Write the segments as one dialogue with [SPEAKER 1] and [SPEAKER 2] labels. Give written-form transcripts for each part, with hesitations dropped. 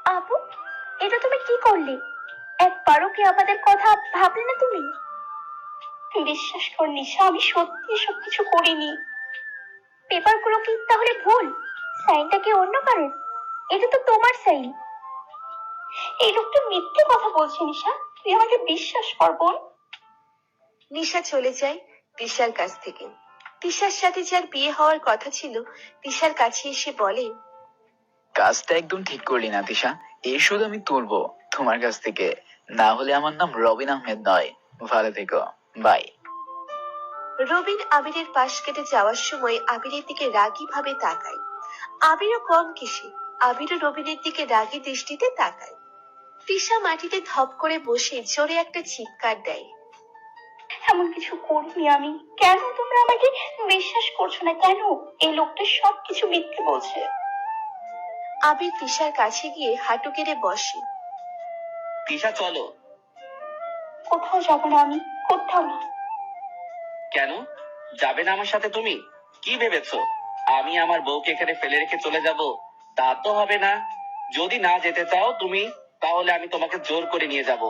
[SPEAKER 1] আপু, এটা তুমি কি করলে? একবারও কি আমাদের কথা ভাবলে না তুমি? বিশ্বাস কর নিশা, আমি সত্যি এসব কিছু করিনি। পেপারগুলো কি তাহলে ভুল? সাইনটা কি অন্য কারণ? এটা তো তোমার সাইন। এই লোকটা মিথ্যে কথা বলছে নিশা, তুই আমাকে বিশ্বাস কর বোন।
[SPEAKER 2] নিশা চলে যায় তিশার কাছ থেকে। তিশার সাথে যার বিয়ে হওয়ার কথা ছিল তিশার কাছে এসে বলে,
[SPEAKER 3] কাজটা একদম ঠিক করলি না তিশা। এই শুধু আমি তুলবো তোমার কাছ থেকে, না হলে আমার নাম রবিন আহমেদ নয়। ভালো থেকো, বাই।
[SPEAKER 2] রবিন আবিরের পাশ কেটে যাওয়ার সময় আবিরের দিকে রাগী ভাবে তাকায়। আবিরও কম কিসে, আবিরও রবিনের দিকে রাগী দৃষ্টিতে তাকায়। তিশা মাটিতে ধপ করে বসে জোরে একটা চিৎকার দেয়।
[SPEAKER 1] এমন কিছু করিনি আমি। কেন তোমরা আমাকে বিশ্বাস করছো না কেন? এই লোকটা সবকিছু মিথ্যে বলছে।
[SPEAKER 2] আবির তিশার কাছে গিয়ে হাঁটু গেড়ে বসে।
[SPEAKER 4] তিশা চলো।
[SPEAKER 1] কোথাও যাবো না আমি, কোথাও না।
[SPEAKER 4] কেন যাবে না আমার সাথে? তুমি কি ভেবেছো আমি আমার বউকে এখানে ফেলে রেখে চলে যাব? তা তো হবে না। যদি না যেতে চাও তুমি, তাহলে আমি তোমাকে জোর করে নিয়ে যাব।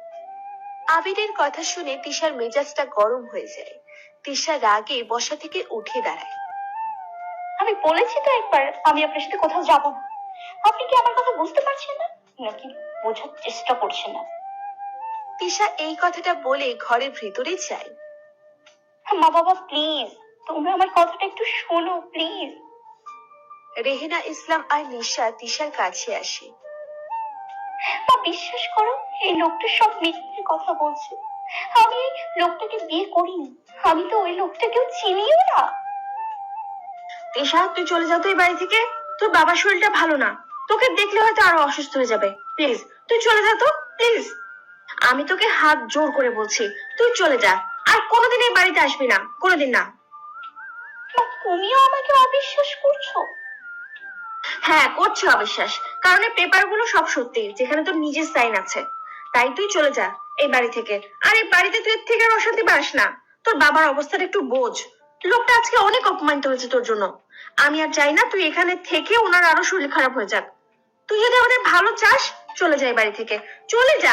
[SPEAKER 2] আবিরের কথা শুনে তিশার মেজাজটা গরম হয়ে যায়। তিশা রাগে বসা থেকে উঠে দাঁড়ায়।
[SPEAKER 1] আমি বলেছি তো একবার আমি আপনার সাথে কোথাও যাব না। আপনি কি আমার কথা বুঝতে পারছেন না, নাকি বোঝার চেষ্টা করছেন না?
[SPEAKER 2] তিশা এই কথাটা বলে ঘরের ভেতরে যায়।
[SPEAKER 1] মা বাবা প্লিজ, তোমরা আমার কথাটা একটু শোনো প্লিজ।
[SPEAKER 2] রেহেনা ইসলাম আর নিশা তিশার কাছে আসে।
[SPEAKER 1] মা বিশ্বাস করো, এই লোকটা সব মিথ্যে কথা বলছে। আমি এই লোকটাকে বিয়ে করিনি। আমি তো ওই লোকটাকেও চিনিও না।
[SPEAKER 5] তিশা, তুই চলে যা তো এই বাড়ি থেকে। তোর বাবার শরীরটা ভালো না, তোকে দেখলে হয়তো আরো অসুস্থ হয়ে যাবে। প্লিজ তুই চলে যা তো, প্লিজ। আমি তোকে হাত জোর করে বলছি, তুই চলে যা। আর কোনোদিন এই বাড়িতে আসবি না, কোনোদিন না।
[SPEAKER 1] মা, তুমিও আমাকে অবিশ্বাস করছো?
[SPEAKER 5] হ্যাঁ, করছি অবিশ্বাস, কারণ এই পেপারগুলো সব সত্যি, যেখানে তোর নিজের সাইন আছে। তাই তুই চলে যা এই বাড়ি থেকে। আর এই বাড়িতে তুই এর থেকে আর অশান্তি পাস না। তোর বাবার অবস্থাটা একটু বোঝ। লোকটা আজকে অনেক অপমানিত হয়েছে তোর জন্য। আমি আর চাই না তুই এখানে থেকে ওনার আরো শরীর খারাপ হয়ে যাক। তুই যদি আমাদের ভালো চাস, চলে যা এই বাড়ি থেকে, চলে যা।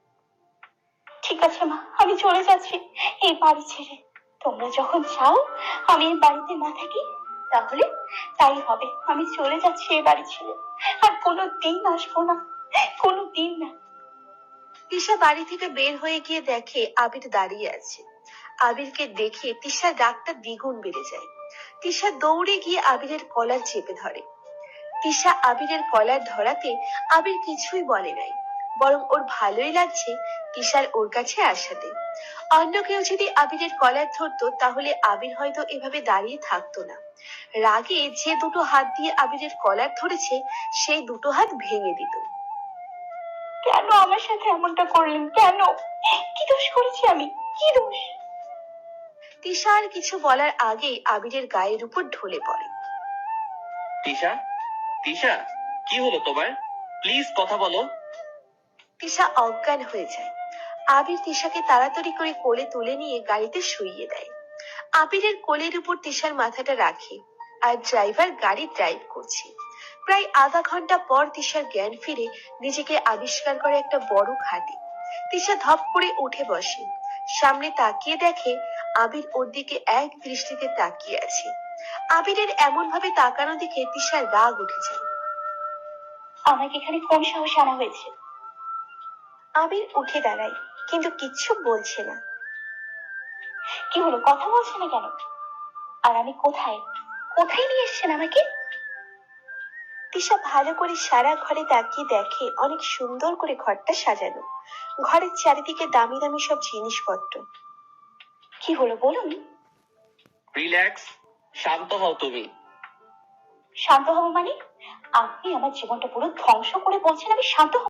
[SPEAKER 1] ঠিক আছে মা, আমি চলে যাচ্ছি এই বাড়ি ছেড়ে। তোমরা যখন চাও আমি এই বাড়িতে না থাকি, তাহলে তাই হবে। আমি চলে যাচ্ছি এই বাড়ি ছেড়ে, আর কোনো দিন আসবো না, কোনো দিন না।
[SPEAKER 2] তিশা বাড়ি থেকে বের হয়ে গিয়ে দেখে আবির দাঁড়িয়ে আছে। আবিরকে দেখে তিশার রাগটা দ্বিগুণ বেড়ে যায়। তিশা দৌড়ে গিয়ে আবিরের কলার চেপে ধরে। তিশা আবিরের কলার ধরাতে আবির কিছুই বলে নাই, বরং ওর ভালোই লাগছে তিশার ওর কাছে আসাতে। অন্য কেউ যদি আবিরের কলার ধরতো তাহলে আবির হয়তো এভাবে দাঁড়িয়ে থাকতো না। রাগে যে দুটো হাত দিয়ে আবিরের কলার ধরেছে সেই দুটো হাত ভেঙে দিত।
[SPEAKER 1] কেন আমার সাথে এমনটা করলেন? কেন? কি দোষ করেছি আমি? কি দোষ?
[SPEAKER 2] তিশা আর কিছু বলার আগেই আবিরের গায়ের উপর ঢলে পড়ে।
[SPEAKER 4] তিশা, তিশা, কি হলো তোমার? প্লিজ কথা বলো।
[SPEAKER 2] তিশা অজ্ঞান হয়ে যায়। আবির তিশাকে তাড়াতাড়ি করে কোলে তুলে নিয়ে গাড়িতে শুইয়ে দেয়। আবিরের কোলের উপর তিশার মাথাটা রাখে আর ড্রাইভার গাড়ি ড্রাইভ করছে। প্রায় আধা ঘন্টা পর তিশার জ্ঞান ফিরে নিজেকে আবিষ্কার করে একটা বড় খাটে। তিশা ধপ করে উঠে বসে। সামনে তাকিয়ে দেখে আবির ওর দিকে এক দৃষ্টিতে তাকিয়ে আছে। আবিরের এমন ভাবে তাকানো দেখে তিশার রাগ উঠে যায়।
[SPEAKER 1] আমাকে এখানে কোন সাহসে আনা হয়েছে?
[SPEAKER 2] আবির উঠে দাঁড়ায়, কিন্তু কিচ্ছু বলছে না।
[SPEAKER 1] কি হলো, কথা বলছে না কেন? আর আমি কোথায়? কোথায় নিয়ে এসছেন আমাকে?
[SPEAKER 2] তিশা ভালো করে সারা ঘরে তাকিয়ে দেখে অনেক সুন্দর করে ঘরটা সাজানো। ঘরের চারিদিকে দামি দামি সব জিনিসপত্র।
[SPEAKER 1] কি হলো বলুন?
[SPEAKER 4] রিল্যাক্স, শান্ত হও তুমি।
[SPEAKER 1] শান্ত হবো মানে? আপনি আমার জীবনটা পুরো ধ্বংস করে বলছেন আমি শান্ত হব?